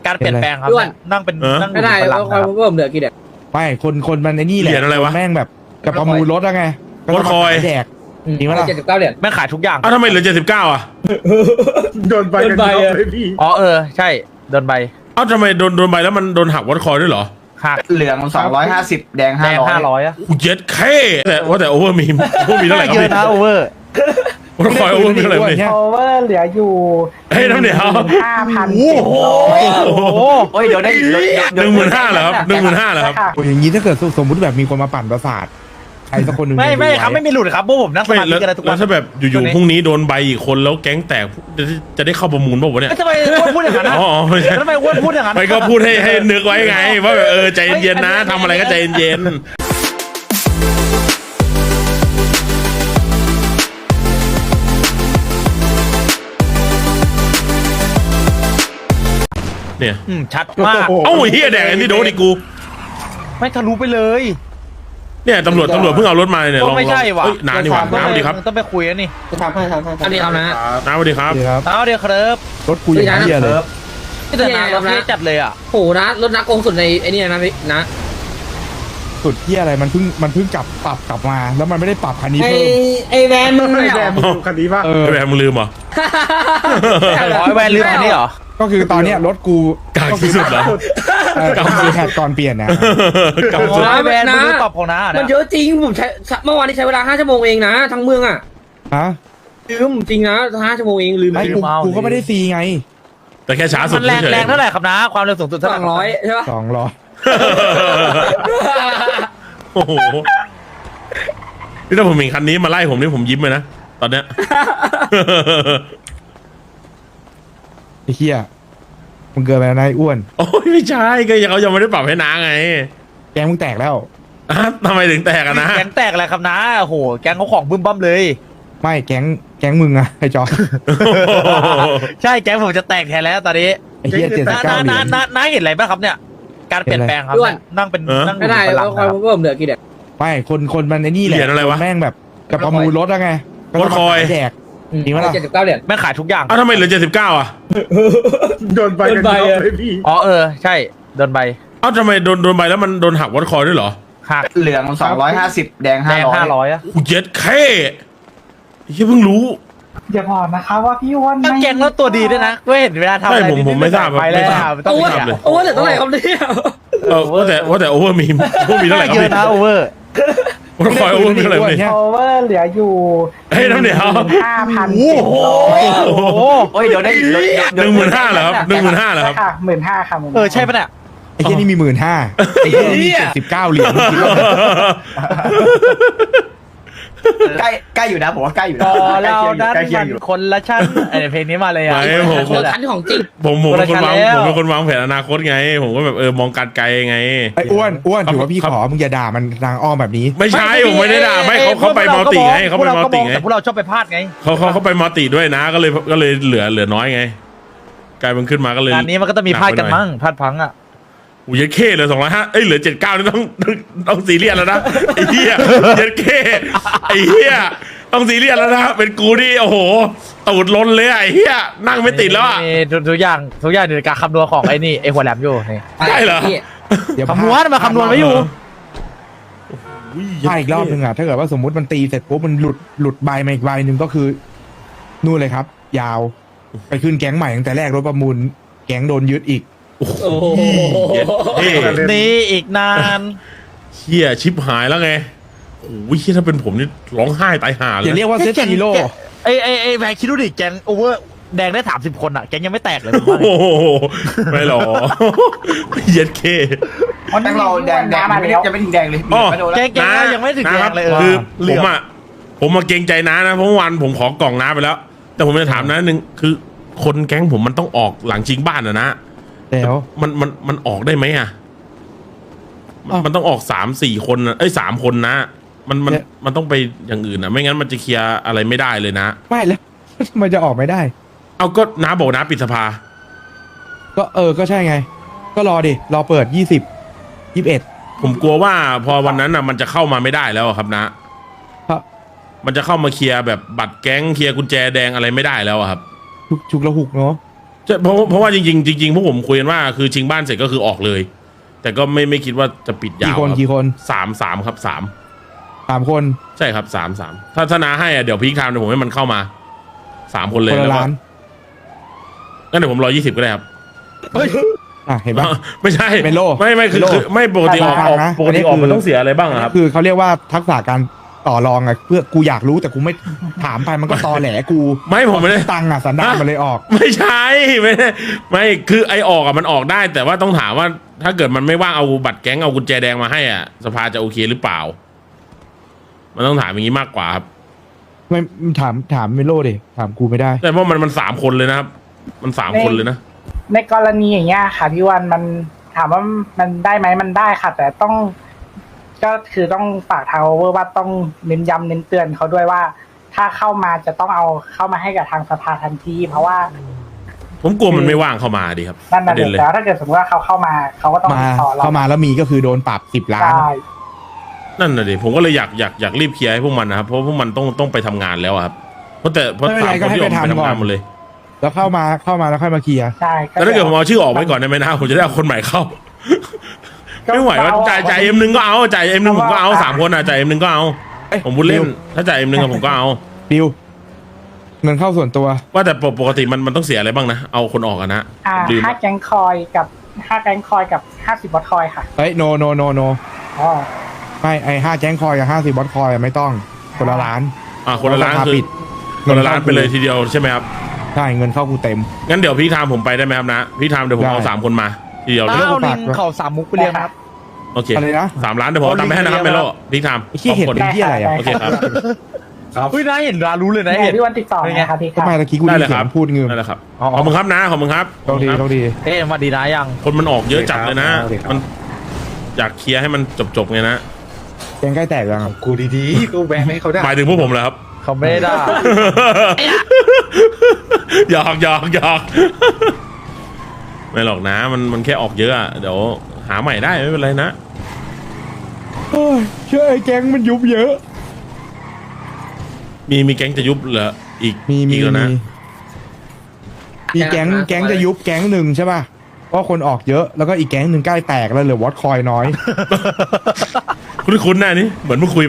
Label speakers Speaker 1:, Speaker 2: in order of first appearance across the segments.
Speaker 1: การเปลี่ยนแปลงครับนั่งเป็นนั่ง
Speaker 2: ไม่ได้
Speaker 1: พลัง
Speaker 2: คอยผมเหลือกี่เด็ก
Speaker 3: ไม่คนมันไอ้นี่แหละ
Speaker 4: เหรียญอะไรวะ
Speaker 3: แม่งแบบกับประมูลรถอะไง
Speaker 4: รถคอย
Speaker 3: แดก จริงปะล่ะ
Speaker 2: 79 เหรียญ
Speaker 1: แม่งขายทุกอย่าง
Speaker 4: อ้าวทำไมเหลือ79อ่ะ
Speaker 5: โดนใบกันเยอะเลยพี่
Speaker 1: อ๋อใช่โดนใบ
Speaker 4: อ้าวทำไมโดนใบแล้วมันโดนหักวัดคอยด้วยเหรอ
Speaker 1: หัก
Speaker 6: เหลือง250แดง
Speaker 1: แดง500อะ
Speaker 4: กูเย็ดแค่แต่โอเวอร์มีเท่าไหร่ครับ
Speaker 1: เยอะ
Speaker 4: พี่
Speaker 1: นะโอเวอร์
Speaker 4: วัดคอยโอเวอร์มีเท่าไหร่พี่
Speaker 3: เนี่ย
Speaker 7: โอเวอร์เหลืออยู่
Speaker 4: เฮ้ยน้ำเหนียว
Speaker 7: 5,700
Speaker 4: โอ้โห
Speaker 6: โอ้ยเดี๋ยวได้
Speaker 4: 15,000เหรอครับ15,000เหรอครับ
Speaker 3: โอ้ยอย่างนี้ถ้าเกิดสมมติแบบมีคนมาปั่นประสาทใครสักคนหนึ่ง
Speaker 1: ไม่ครับไม่มีหลุดครับพวกผมนั่งส
Speaker 4: ไม่
Speaker 1: มาธิ
Speaker 4: แล้ว
Speaker 1: กันเลยทุก
Speaker 4: แล้
Speaker 1: วั
Speaker 4: วน ถ้าแบบอยู่ๆพรุ่งนี้โดนใบอีกคนแล้วแก๊งแตกจะได้เข้าประมูลป่าววะเนี่ย
Speaker 1: ทำไมอ้วนพูดอย่างนั้นนะ
Speaker 4: อ๋อไม่ใช่
Speaker 1: ทำไมอ้วนพูดอย่างนั้น
Speaker 4: ไม่ก็พูดให้นึกไว้ไงว่าแบบใจเย็นๆนะทำอะไรก็ใจเย็นๆเนี่ย
Speaker 1: ชัดมาก
Speaker 4: เอ้าเฮียแดกอันนี้โดนอีกกู
Speaker 1: ไม่ทะลุไปเลย
Speaker 4: เนี่ยตำรวจเพิ่งเอารถมาเนี่ย
Speaker 1: ก็ไม่ใช่ว่ะ
Speaker 4: น้านี่หว่าน้าสวัสดีครับ
Speaker 1: ต้องไปคุยกันนี่
Speaker 2: อันนี้เอานะ
Speaker 4: น้าสวัสดีครับ
Speaker 3: ดีครับ
Speaker 1: เอาเดี๋ยวครับ
Speaker 3: รถกูอย่างเหี้ยเลย
Speaker 1: ที่เดินทางเราเท่จัดเลยอ่ะ
Speaker 2: โหนะรถนักโกงสุดในไอ้นี่นะพี่นะ
Speaker 3: สุดเหี้ยอะไรมันเพิ่งปรับกลับมา แล้วมันไม่ได้ปรับคันนี้
Speaker 2: ไอ
Speaker 3: เพิ่ม
Speaker 2: ไอแวนมึงไม่
Speaker 5: แด
Speaker 2: เหร
Speaker 5: ง
Speaker 2: อ
Speaker 5: มึงดูคันนี้ป่ะ
Speaker 3: เออ
Speaker 4: แบบมึงลืมเหรอ
Speaker 1: อ๋อแวนลืมอันนี้เหรอ
Speaker 3: ก็คือตอนเนี้ยรถกู
Speaker 4: กากที่สุดเหรอ
Speaker 3: ก็คือแพทก่อนเปลี่ยนนะ
Speaker 4: กากสุด
Speaker 1: อ๋อแวนมึงลืมปรับของน้า
Speaker 2: มัน
Speaker 1: เนี่ย
Speaker 2: เยอะจริงผมใช้เมื่อวานนี้ใช้เวลา5 ชั่วโมงเองนะทั้งเมืองอ่ะ
Speaker 3: ฮะ
Speaker 2: ลืมจริงนะ5 ชั่วโมงเองลืม
Speaker 3: ไม่กูก็ไม่ได้ซีไง
Speaker 4: แต่แค่ช้าสุด
Speaker 1: มันแรง
Speaker 4: เฉยๆ
Speaker 1: แรงเท่าไหร่ครับนะความเร็วสูงสุดเท่าไหร่
Speaker 2: 200ใช่ปะ
Speaker 3: 200
Speaker 4: โอ้โหนี่ถ้าผมเห็นคันนี้มาไล่ผมนี่ผมยิ้มเลยนะตอนเนี้ย
Speaker 3: ไอ้เหี้ยมึงเกินไปแล้วนายอ้วน
Speaker 4: โอ้ยไม่ใช่ก็เขายังไม่ได้ปรับให้น้าไง
Speaker 3: แกมึงแตกแล้ว
Speaker 4: อ่ะทำไมถึงแตกอะนะ
Speaker 1: แก๊งแตกอะไรครับนะโอ้โหแก๊งเขาของบึ้มบั้มเลย
Speaker 3: ไม่แก๊งมึงอะไอ้จอ
Speaker 1: ใช่แก๊งผมจะแตกแทนแล้วตอนนี้
Speaker 3: ไอ้เหี้ย79 เหรียญ
Speaker 1: น้าเห็นอะไรบ้างครับเนี่ย การเปลี่ยนแปลงครับนั่งเป็นนั่ง
Speaker 2: ไม่ได้
Speaker 1: พลัง
Speaker 2: คอยผมเหลือกี่เด็ก
Speaker 3: ไม่คนมันไอ้นี่แหละ
Speaker 4: เหรียญอะไรวะ
Speaker 3: แม่งแบบกับประมูลรถอะไง
Speaker 4: รถคอย
Speaker 3: แดก จริงปะล่ะ
Speaker 2: 79 เหรียญ
Speaker 1: แม่งขายทุกอย่าง
Speaker 4: อ้าวทำไมเหลือ79อ่ะ
Speaker 5: โดนใบกันเยอะเลยพี่
Speaker 1: อ๋อใช่โดนใบ
Speaker 4: อ้าวทำไมโดนใบแล้วมันโดนหักวัดคอยด้วยเหรอ
Speaker 1: หัก
Speaker 6: เหลือง250แดง
Speaker 1: แดง
Speaker 6: 500
Speaker 1: 500อะ
Speaker 4: กูเย็ดแค่เฮียเพิ่งรู้
Speaker 7: อย่าบอกนะคะว่าพี่อ้วน
Speaker 1: ตั้ง
Speaker 7: ไม่
Speaker 1: แก๊งแล้วตัวดีด้วยนะก็เห็นเวลาทำอะไร
Speaker 4: ผมไม่ทราบ
Speaker 1: ไปแล้ว
Speaker 4: ไม่ทราบ
Speaker 1: ต้อง
Speaker 2: โอ้
Speaker 1: เสียบเลย
Speaker 2: โหแต่เท่าไหร่ครับเนี่ย
Speaker 4: ว่าแต่โอเวอร์มีเท่าไหร่ครับ
Speaker 1: เยอะ
Speaker 4: พี่
Speaker 1: นะโอเวอร์
Speaker 4: วัดคอยโอเวอร์มีเท่าไหร่พี่
Speaker 7: โอเวอร์เหลืออยู่
Speaker 4: เฮ้ยน้ำเหนียว
Speaker 7: 5,700
Speaker 4: โอ้โห
Speaker 6: โอ้ยเดี๋ยวได้
Speaker 4: 15,000เหรอครับ15,000เหรอครับ
Speaker 7: ค่ะ15,000ค่ะ15,000
Speaker 1: ใช่ปะเนี่ย
Speaker 3: ไอ้เหี้ยนี่มี15,000ไอ้เหี้ยนี่มี79 เหรียญมึงคิดว่า
Speaker 6: ใกล้อยู่นะผมว่าใกล้อยู่นะ
Speaker 1: พอเราดัน
Speaker 6: ใกล้เคีย
Speaker 1: มั
Speaker 6: ง
Speaker 1: น
Speaker 6: อยู่
Speaker 1: คนละชั้นไอ้เพลงนี้มาเลยอ่ะ
Speaker 4: ไม่ผม
Speaker 2: คนคันของจริง
Speaker 4: ผมเป็นคนวาง
Speaker 1: คนละชั้นแล้ว
Speaker 4: ผมเป็นคนวางแผนอนาคตไง ผมก็แบบมองการไกลไง
Speaker 3: ไอ้อ้วนถือว่าพี่ขอมึงอย่าด่ามันทางอ้อมแบบนี้
Speaker 4: ไม่ใช่ผมไม่ได้ด่าไม่เขาไปมัลติไงเขาไปมัลติไง
Speaker 1: แต่พวกเราชอบไปพลาดไง
Speaker 4: เขาไปมัลติด้วยนะก็เลยเหลือน้อยไงกลายเป็นขึ้นมาก็เลย
Speaker 1: งานนี้มันก็ต้องมีพลาดกันมั้งพลาดพลั้งอ่ะ
Speaker 4: อูเย็ดเข้เหลือ205เหลือ79นี่ต้องซีเรียสแล้วนะไอ้เหี้ยเย็ดเข้ไอ้เหี้ยต้องซีเรียสแล้วนะเป็นกูนี่โอ้โหตูดล้นเลยไอ้เหี้ยนั่งไม่ติดแล้วอ่ะ
Speaker 1: มีทุกอย่างอยู่ในการคำนวณของไอ้นี่ไอ้หัวแหลมอยู่นี่
Speaker 4: ใช่เหรอ
Speaker 3: เดี๋ยว
Speaker 1: คำนวณมาคำนวณไว้อยู่
Speaker 3: ถ้าอีกรอบนึงอะถ้าเกิดว่าสมมุติมันตีเสร็จปุ๊บมันหลุดใบมาอีกใบหนึ่งก็คือนู่นเลยครับ ยาวไปขึ้นแก๊งใหม่ตั้งแต่แรกรถประมูลแก๊งโดนยึดอีก
Speaker 4: โอ้โห
Speaker 2: โอ้โห
Speaker 4: เย็ดเข้
Speaker 1: นี่อีกนาน
Speaker 4: เหี้ยชิบหายแล้วไงโอ้ยถ้าเป็นผมนี่ร้องไห้ตายห่าเล
Speaker 3: อย่าย เรียกว่าเซตฮีโร่
Speaker 1: ไอ้แบงคิดดูดิแกงโอเวอร์แดงได้30 คนอ่ะแกงยังไม่แตกเลยผมว่า
Speaker 4: โอ้โหไม่หรอเย็ดเค
Speaker 6: ตั้งเราแดงจะไม่ถึงแดงเลย
Speaker 4: อ๋อ
Speaker 6: ไม่โดน
Speaker 1: แก
Speaker 6: แล้ว
Speaker 1: งยังไม่ถึงแดงเลย
Speaker 4: คือผมมาเกรงใจน้านะเพราะวันผมขอกล่องน้าไปแล้ว แต่ผมจะถามน้านึงคือคนแก๊งผมมันต้องออกหลังชิงบ้านนะ
Speaker 3: แล้ว
Speaker 4: มันออกได้ไหมอ่ะ
Speaker 3: อ้าว
Speaker 4: มันต้องออก3-4 คนนะ3 คนนะมันต้องไปอย่างอื่นนะไม่งั้นมันจะเคลียร์อะไรไม่ได้เลยนะ
Speaker 3: ไม่แล้ว มันจะออกไม่ได้
Speaker 4: เอาก็น้าบอกน้าปิดสภา
Speaker 3: ก็ก็ใช่ไง ก็รอดิรอเปิด21
Speaker 4: ผมกลัวว่าพอวันนั้นน่ะมันจะเข้ามาไม่ได้แล้วอะครับนะ
Speaker 3: ครับ
Speaker 4: มันจะเข้ามาเคลียร์แบบบัตรแก๊งเคลียร์กุญแจแดงอะไรไม่ได้แล้วอะครับ
Speaker 3: ฉุกละหุกเนาะ
Speaker 4: ใช่เพราะว่าจริงพวกผมคุยกันว่าคือชิงบ้านเสร็จก็คือออกเลย แต่ก็ไม่คิดว่าจะปิดยาว
Speaker 3: กี่คน
Speaker 4: สามครับสาม
Speaker 3: 3 คน
Speaker 4: ใช่ครับสามถ้านาให้อ่ะเดี๋ยวพีคไทม์เดี๋ยวผมให้มันเข้ามา3 คนเลย
Speaker 3: คนละ
Speaker 4: แล้วก็
Speaker 3: ล้าน
Speaker 4: งั้นเดี๋ยวผม120ก็ได้ครับ
Speaker 3: เห็นปะ
Speaker 4: ไม่ใช่
Speaker 3: เมโล
Speaker 4: ไม่คือ
Speaker 3: เมโล
Speaker 4: ไม่ปกติออก
Speaker 3: ฟังนะ
Speaker 4: ปกติออก
Speaker 3: อันนี้คือ
Speaker 4: มันต้องเสียอะไรบ้างอะครับ
Speaker 3: คือเขาเรียกว่าทักษะการต่อรองอะเพื่อกูอยากรู้แต่กูไม่ถามไปมันก็ตอแหลกู
Speaker 4: ไม่ผมไม่ได้
Speaker 3: ตังค์อะสันดานมันเลยออก
Speaker 4: ไม่ใช่ไม่คือไอออกอะมันออกได้ แต่ว่าต้องถามว่าถ้าเกิดมันไม่ว่างเอาบัตรแก๊งเอากุญแจแดงมาให้อ่ะสภาจะโอเคหรือเปล่า มันต้องถามอย่างนี้มากกว่าครับ
Speaker 3: ไม่ถามเมโลดิถามกูไม่ได้
Speaker 4: แต่เพราะมัน3 คนเลยนะครับ มัน3 คนเลยนะ
Speaker 7: ในกรณีอย่างเงี้ยค่ะพี่วันมันถามว่ามันได้ไหมมันได้ค่ะ แต่ต้องก็คือต้องฝากทางโอเวอร์ว่าต้องเน้นย้ำเน้นเตือนเขาด้วยว่า ถ้าเข้ามาจะต้องเอาเข้ามาให้กับทางสภาทันที เพราะว่า
Speaker 4: ผมกลัวมันไม่ว่างเข้ามาดีครับ
Speaker 7: นั่น
Speaker 4: ป
Speaker 7: น่ะ
Speaker 4: ระเด็นเลย
Speaker 7: แต่ถ้าเกิดสมมติว่าเขาเข้ามาเขาก็ต้อง
Speaker 3: มา
Speaker 7: ติดต่อเรา
Speaker 3: เข้ามาแล้วมีก็คือโดนปรับ10 ล้าน
Speaker 7: ได้
Speaker 4: นั่นน่ะดิผมก็เลยอยากรีบเคลียร์ให้พวกมันนะครับเพราะพวกมันต้องไปทำงานแล้วอะครับเพราะ
Speaker 3: ไม่เป็นไร
Speaker 4: 3 คนที่ออก
Speaker 3: ก็ให้ไป
Speaker 4: ไป
Speaker 3: ทำ
Speaker 4: ทำงาน
Speaker 3: ก่อน
Speaker 4: หมดเลย
Speaker 3: แล้วเข้ามาแล้วค่อยมาเคลียร์
Speaker 7: ใช่
Speaker 4: แต่ถ้าเกิดผมเอาชื่อออกไว้ก่อนได้ไหมนะผมจะได้เอาคนใหม่เข้า ไม่ไหวว่าจ่ายM1ก็เอาจ่าย M1 ผมก็เอา3 คนอ่ะจ่าย M1 ก็เอา ผมพูดเล่น ถ้าจ่าย M1 กับผมก็เอา
Speaker 3: ดิวเงินเข้าส่วนตัว
Speaker 4: ว่าแต่ปกติมันต้องเสียอะไรบ้างนะเอาคนออกกันนะลืม
Speaker 7: 5 แก๊งคอยกับ50บอทคอยค่ะ
Speaker 3: เฮ้ยโน
Speaker 7: อ๋อ
Speaker 3: ไม่ไอ้5 แก๊งคอยกับ50 บอทคอยอะไม่ต้องคนละล้าน
Speaker 4: คนละล้าน
Speaker 3: สภ
Speaker 4: คือ
Speaker 3: ปิด
Speaker 4: คนละล้านไปเลยทีเดียวใช่ไหมครับ
Speaker 3: ใช่เงินเข้ากูเต็ม
Speaker 4: งั้นเดี๋ยวพี่ทามผมไปได้ไหมครับนะพี่ทามเดี๋ยวผมเอา
Speaker 3: ได้
Speaker 4: 3 คนมาทีเดียวเลย
Speaker 3: แล้
Speaker 1: เอาลิงเขาสามมุกไปเรียงครับ
Speaker 4: โอเค
Speaker 3: อะไรนะ
Speaker 4: 3 ล้านเดี๋ยวผมเอาตังค์ไปให้นะครับเมโลพี่ทาม
Speaker 3: ไอ้ขี้เห็น
Speaker 4: คน
Speaker 3: เป็นที่อะไรอ่ะ
Speaker 4: โอเคครับ
Speaker 1: เฮ้ยน่าเห็นรารู้เลยนะ
Speaker 7: ไหน
Speaker 1: เห็น
Speaker 7: พี่วันติดต่อนะครับพี่ค
Speaker 3: ทำ
Speaker 7: รับ
Speaker 3: ไมตะกี้กู
Speaker 4: ได้
Speaker 3: ได้
Speaker 4: เลย
Speaker 3: เสี
Speaker 4: ค
Speaker 3: ย
Speaker 4: รับ
Speaker 3: งพูดเงิน
Speaker 4: ได้เลยครับขอบคุณครับนะขอบคุณครับ
Speaker 3: ต้องดี
Speaker 4: ขอบคุณครับ
Speaker 3: ต้องดี
Speaker 1: เอ๊ะมาดีนะยัง
Speaker 4: คนมันออกเยอะจัดเลยนะ
Speaker 3: โอเคครับ
Speaker 4: มันอยากเคลียร์ให้มันจบไงนะ
Speaker 3: แกงใกล้แตกยังอะ
Speaker 5: กูดีๆกูแบนให้เขาได้
Speaker 4: หมายถึงพวกผมเหรอครับ
Speaker 1: เขาไม่ได้ด่า
Speaker 4: หยอกไม่หรอกนะมันแค่ออกเยอะอะเดี๋ยวหาใหม่ได้ไม่เป็นไรนะ
Speaker 3: โอ้ยเชื่อไอ้แก๊งมันยุบเยอะ
Speaker 4: มีแก๊งจะยุบเหรออีก
Speaker 3: มี
Speaker 4: อีกแล้วนะ
Speaker 3: มีแก๊งจะยุบแก๊งหนึ่งใช่ป่ะเพราะคนออกเยอะแล้วก็อีกแก๊งหนึ่งใกล้แตกแล้วเหลือวอตคอยน้อย
Speaker 4: คุ้นๆหน้านี่เหมือนเพิ่งคุยไป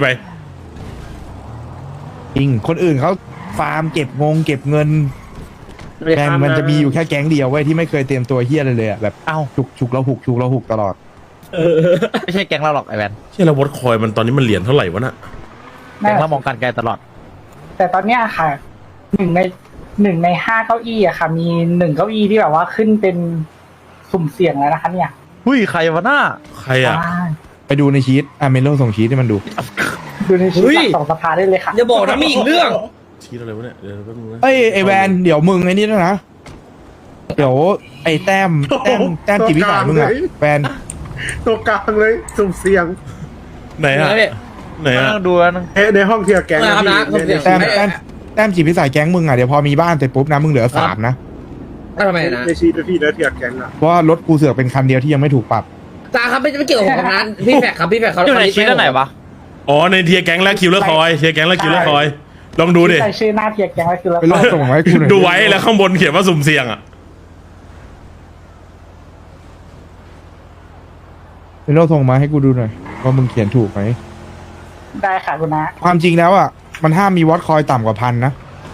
Speaker 3: จริงคนอื่นเขาฟาร์มเก็บเงินแม่งมันจะมีอยู่แค่แก๊งเดียวไว้ยที่ไม่เคยเตรียมตัวเฮี้ยอะไรเลยอะแบบ
Speaker 1: เอ้า
Speaker 3: ฉุกแล้วหุกตลอด
Speaker 1: ไม่ใช่แก๊งเราหรอกไอแวน
Speaker 4: ใช่แล้ววอตคอยมันตอนนี้มันเหรียญเท่าไหร่วะน่ะ
Speaker 1: แก๊งเรามองการไกลตลอด
Speaker 7: แต่ตอนเนี้ยค่ะหนึ่งใน5 เก้าอี้อะค่ะ มี1 เก้าอี้ที่แบบว่าขึ้นเป็นสุ่มเสี่ยงแล้วนะคะเนี่ย
Speaker 1: หุ้ยใครวะหน้า
Speaker 4: ใครอ่ะ
Speaker 3: ไปดูในชีตเมโลส่งชีตให้มันดู
Speaker 7: ดูในชีวิตหลักสองสภาได้เลยค่ะ
Speaker 2: อย่าบอกนะมีอีกเรื่อง
Speaker 4: ชี้อะไรวะเนี่ยเดี๋ยวแป๊บนึงนะ
Speaker 3: เอ้ยไอแวนเดี๋ยวมึงไอ้นี่ด้วยนะ เดี๋ยวไอ้แต้มจิตวิสัยมึงอะแวน
Speaker 5: ตัวกลางเลยสุ่มเสี่ยง
Speaker 4: ไหนอะไหนอะ
Speaker 1: นั่งดูแล้วนึง
Speaker 5: ในห้องเทียร์แกง
Speaker 2: เอาละ
Speaker 5: พี่
Speaker 2: สุ่มเสี่ยง
Speaker 3: แต้มจิตวิสัยแก๊งมึงอะเดี๋ยวพอมีบ้านเสร็จปุ๊บนะมึงเหลือ3นะ
Speaker 2: ทำไมนะ
Speaker 5: ในชีตพี่แล้วเทียร์แกงอะ
Speaker 3: เพราะว่ารถกูเสือกเป็นคันเดียวที่ยังไม่ถูกปรับ
Speaker 2: จ้าครับไม่เกี่ยวกับผมนะพี่แฟกครับพี่แฟกเขา
Speaker 1: อยู่ในชีตอันไหนวะ
Speaker 4: อ๋อในเทียร์แก๊งและคิวเลอร์คอยเทียร์แก๊งและคิวเลอร์คอยลองดูดิ
Speaker 7: ใส่ชื่อหน้าเทียร์แกงไว้คือแล้ว
Speaker 3: ไปลองส่งมาให้กูหน่อย
Speaker 4: ดูไว้แล้วข้างบนเขียนว่าสุ่มเสี่ยงอ่ะ
Speaker 3: ไปลองส่งมาให้กูดูหน่อยว่ามึงเขียนถูกไหม
Speaker 7: ได้ค่ะคุณนะ
Speaker 3: ความจริงแล้วอะมันห้ามมีวอตคอยต่ำกว่า1,000นะ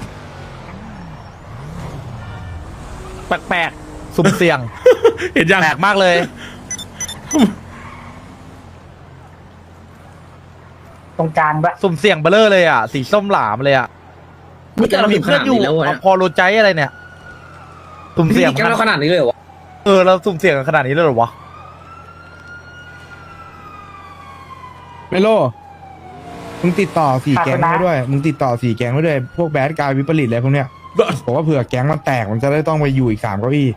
Speaker 1: แปลกๆสุ่มเสี่ยง
Speaker 4: เห็นยัง
Speaker 1: แปลกมากเลย
Speaker 7: ตรงกลางด้วย
Speaker 1: สุ่มเสี่ยงเบลอเลยอ่ะ สีส้มหลามเลยอ่ะนี่เรามีเพื่อนอยู่พอโรใจอะไรเนี่ย สุ่ม
Speaker 2: เสี่
Speaker 1: เสี่
Speaker 2: ย
Speaker 1: ย
Speaker 2: ง
Speaker 1: ง
Speaker 2: กันแล้วขนาดนี้เลยเหรอวะ
Speaker 1: เราสุ่มเสี่ยงกันขนาดนี้เลยเหรอวะ
Speaker 3: เมโลมึงติดต่อ4 แก๊งไว้ด้วย มึงติดต่อ4 แก๊งไว้ด้วย พวกแบดกายวิปริตอะไรพวกเนี้ยบอกว่าเผื่อแก๊งมันแตกมันจะได้ต้องไปอยู่อีก3 เก้าอี้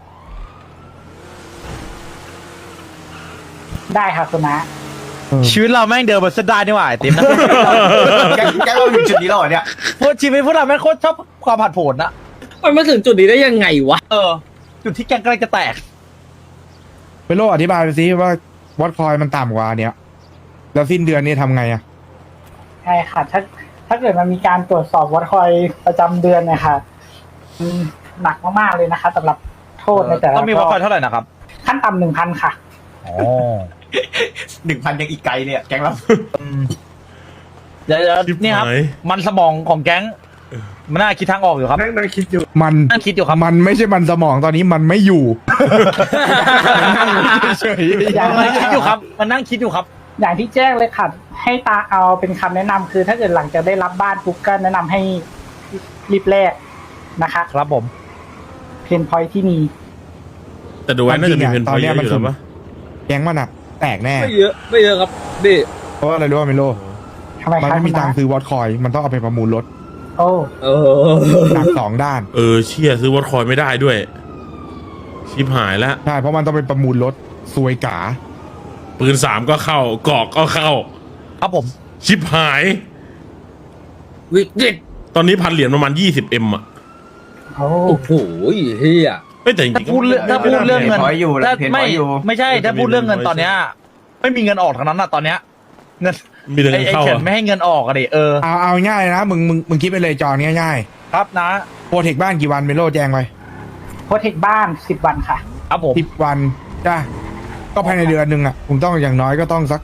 Speaker 7: ได้ค่ะคุณนะ
Speaker 1: ชีวิตเราแม่งเดินบนเส้นได้นี่หว่าไอ้ติ๊มนะ
Speaker 6: แกงเราอยู่จุดนี้แล้วเหรอเนี่ย
Speaker 1: เพราะชีวิตพวกเราแม่งโคตรชอบความผัดโผนอะ
Speaker 2: มันมาถึงจุดนี้ได้ยังไงวะ
Speaker 1: จุดที่แกงกำลังจะแตก
Speaker 3: เมโลอธิบายไปสิว่าวอตคอยมันต่ำกว่าเนี้ยแล้วสิ้นเดือนนี้ทำไงอะ
Speaker 7: ใช่ค่ะ ถ้าเกิดมันมีการตรวจสอบวัดคอยประจำเดือนเนี่ยค่ะหนักมากๆเลยนะคะสำหรับทโทษในแต่ละ
Speaker 1: ต้องมีวัดคอยเท่าไหร่นะครับ
Speaker 7: ขั้นต่ำ1,000 ค่ะ
Speaker 1: อ๋อ
Speaker 6: 1,000ยังอีกไกลเนี่ยแก๊งเรา
Speaker 1: เดี๋ยวนี่ครับ มันสมองของแก๊ง มันน่าคิดทางออกอยู่ครับ
Speaker 5: นั่งคิดอยู่
Speaker 3: มัน
Speaker 1: นั่งคิดอยู่ครับ
Speaker 3: มันไม่ใช่มันสมองตอนนี้มันไม่อยู่ มันนั่งเฉย
Speaker 1: มันคิดอยู่ครับ มันนั่งคิดอยู่ครับ
Speaker 7: อย่างที่แจ้งเลยค่ะให้ตาเอาเป็นคำแนะนำคือถ้าเกิดหลังจากได้รับบ้านปุ๊บก็แนะนำให้รีบแลกนะคะ
Speaker 1: ครับผม
Speaker 7: เพนพอยที่มี
Speaker 4: แต่ดูไว้น่าจะมีเพนพอยต์เยอะอยู่แล้วปะ
Speaker 3: แก๊งมันอะแตกแน่
Speaker 2: ไม่เยอะครับพี่
Speaker 3: เพราะว่าอะไรรู้ว่าเมโล
Speaker 7: ทำไม
Speaker 3: มัน
Speaker 7: คะ
Speaker 3: ไม่มีตังค์ซื้อวอตคอยมันต้องเอาไปประมูลรถ
Speaker 7: โอ้
Speaker 3: หนัก2 ด้าน
Speaker 4: เชี่ยซื้อวอตคอยไม่ได้ด้วย ชิบหายแล้ว
Speaker 3: ใช่ เพราะมันต้องไปประมูลรถซวยกา
Speaker 4: ปืน3ก็เข้ากอกก็เข้า
Speaker 1: ครับผม
Speaker 4: ชิบหาย
Speaker 2: วิกฤต
Speaker 4: ตอนนี้พันเหรียญประมาณ20M อ่ะ
Speaker 7: โอ้
Speaker 2: โอ้โหเฮีย
Speaker 4: เฮ้ยแต่จริ
Speaker 1: ถ้าง พูดเรื่องเงิน
Speaker 6: เพนพอยต์อยู่
Speaker 1: ถ้า
Speaker 6: เพนพ
Speaker 1: ไม่
Speaker 6: อยต์อยู่
Speaker 1: ไม่ใช่ ถ้าพูดเรื่องเงินตอนเนี้ย ไม่มีเงินออกทั้งนั้นอะตอนเนี้ย เงิน
Speaker 4: ๆมีแต่
Speaker 1: ไอ้
Speaker 4: เงินเข้า
Speaker 1: เฉิน
Speaker 4: อะ
Speaker 1: ไม่ให้เงินออกอะดิ
Speaker 3: เอาง่ายนะมึงคิดไปเลยจอนง่าย
Speaker 1: ครับนะ
Speaker 3: ๆโปรเทคบ้านกี่วันเมโลแจ้งไป
Speaker 7: โปรเทคบ้าน10 วันค่ะ
Speaker 1: ครับผม
Speaker 3: 10 วันจ้าก็ภายในเดือนหนึ่งอะผมต้องอย่างน้อยก็ต้องสัก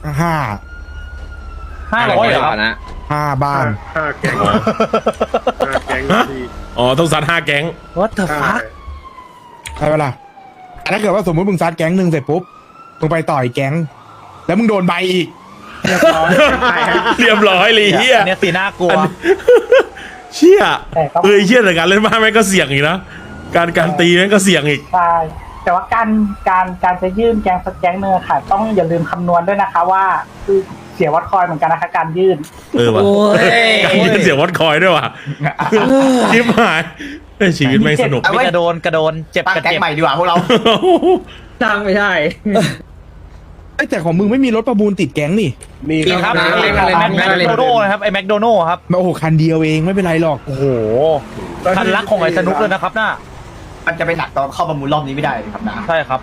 Speaker 1: 500เหรอครับ
Speaker 2: นะ
Speaker 3: 5 บ้าน
Speaker 5: ห้าแก๊งห้าแก๊งที
Speaker 4: อ๋อต้องซัด5แก๊ง
Speaker 1: What the
Speaker 5: ใช่
Speaker 1: fuck
Speaker 3: ใช่ปะล่ะแต่ถ้าเกิดว่าสมมติมึงซัดแก๊งหนึ่งเสร็จปุ๊บมึงไปต่อยแก๊ง แล้วมึงโดนใบอีกเรียบร้อย
Speaker 4: เรียบร้อยเลยเฮีย
Speaker 1: เนี่ยสีน่ากลัว
Speaker 4: เชี่ย
Speaker 7: แต่ก็
Speaker 4: เชี่ยแต่การเล่นบ้านแม่งก็เสี่ยงอีกนะการตีแม่งก็เสี่ยงอีก
Speaker 7: ใช่แต่ว่าการจะยื่นแกงสักแกงเนื้อค่ะ ต้องอย่าลืมคำนวณด้วยนะคะว่าคือเสียวัดคอยเหมือนกันนะคะการยื่น
Speaker 4: ว่ะ
Speaker 2: โอ้ย
Speaker 4: การยืนเสียงวัดคอยด้วยว่ะชิบหายชีวิตไม่งสนุก
Speaker 6: เอาไว้
Speaker 1: กระโดนเจ็บ
Speaker 6: ตั้ง
Speaker 1: กระ
Speaker 6: แก๊ง
Speaker 1: เจ็บ
Speaker 6: ใหม่ดีกว่าพวกเรา
Speaker 2: ตั้งไม่ได้
Speaker 3: เอ้ยแต่ของมึงไม่มีรถประมูลติดแก๊งนี่
Speaker 5: มี
Speaker 1: ครับ
Speaker 2: นะ
Speaker 1: ไอ้แม็กโดโน่นะครับไอ้แม็กโดโน่ครับ
Speaker 3: โอ้โหคันเดียวเองไม่เป็นไรหรอก
Speaker 1: โอ้โหคันรักของไอ้สนุกเลยนะครับน่า
Speaker 6: มันจะไปหนักตอนเข้าประมูลรอบนี้ไม่ได้เลยครับนะ
Speaker 1: ใช่ครับ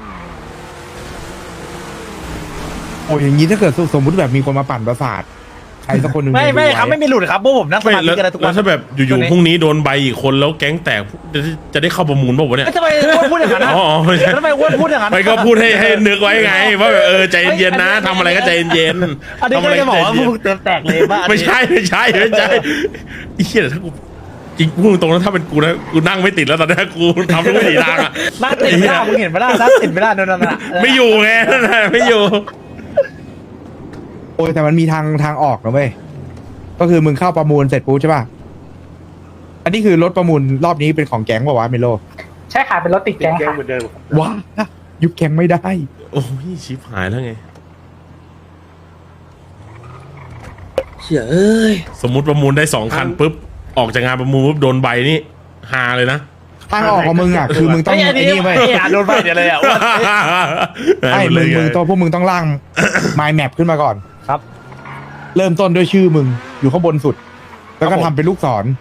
Speaker 3: โอ้ยอย่างนี้ถ้าเกิดสมมติแบบมีคนมาปั่นประสาทใครสักคนหนึ่ง
Speaker 1: ไม่
Speaker 3: ดู
Speaker 1: ครับ
Speaker 3: ว้
Speaker 1: ไม่มีหลุดครับพวกผมนั่งส
Speaker 4: ไม่
Speaker 1: มาธิกันนะทุก
Speaker 4: แล้
Speaker 1: วั
Speaker 4: วน ถ้าแบบอยู่ๆพรุ่งนี้โดนใบอีกคนแล้วแก๊งแตกจะได้เข้าประมูลป่าวะเนี่ย
Speaker 1: ทำไมอ้วนพูดอย่างนั้นนะ
Speaker 4: อ๋อไม่ใช่
Speaker 1: ทำไมอ้วนพูดอย่างนั้น
Speaker 4: ไม่ก็พูดให้นึกไว้ไง ว่าแบบใจเย็นๆนะทำอะไรก็ใจเย็น
Speaker 1: อันนี้ก็จะบอกว่าพวกเต็มแตกเลยว่า
Speaker 4: ไม่ใช่ไอ้เหี้ยถ้ากูจริงพูดตรงๆแล้วถ้าเป็นกูนะกูนั่งไม่ติดแล้วตอนนี้กูทำทุกวิถีทางอะ
Speaker 1: นั่งติดไม่ได้มึงเห็นไม่ได้นั่งติดไม่ได้นั่นน่ะ
Speaker 4: ไม่อยู่ไงนั่นน่ะไม่อยู่
Speaker 3: โอ้ยแต่มันมีทางออกนะเว้ยก็คือมึงเข้าประมูลเสร็จปุ๊บใช่ป่ะอันนี้คือรถประมูลรอบนี้เป็นของแก๊งป่าวะเมโล
Speaker 7: ใช่ค่ะเป็นรถติด
Speaker 5: ติด
Speaker 7: แก๊ง
Speaker 5: แก๊ง
Speaker 7: ค่ะ
Speaker 5: เหมือนเดิม
Speaker 3: ว้ายุบแก๊งไม่ได้
Speaker 4: โอ้ยชิบหายแล้วไง
Speaker 2: เฉยเอ้ย
Speaker 4: สมมุติประมูลได้2 คันปุ๊บออกจากงานประมูลปุ๊บโดนใบนี่ฮาเลยนะ
Speaker 3: ทางออกของมึงอ่ะคือมึงต้อง
Speaker 1: ไอ้
Speaker 3: ไอ้นี่เว้ย
Speaker 1: โดนไปเดี๋ยวเลยอ่ะ
Speaker 3: ไอ้มึงตัวพวกมึงต้องร่าง mind map ขึ้นมาก่อน
Speaker 1: ครับ
Speaker 3: เริ่มต้นด้วยชื่อมึงอยู่ข้างบนสุด แล้วก็ทำเป็นลูกศร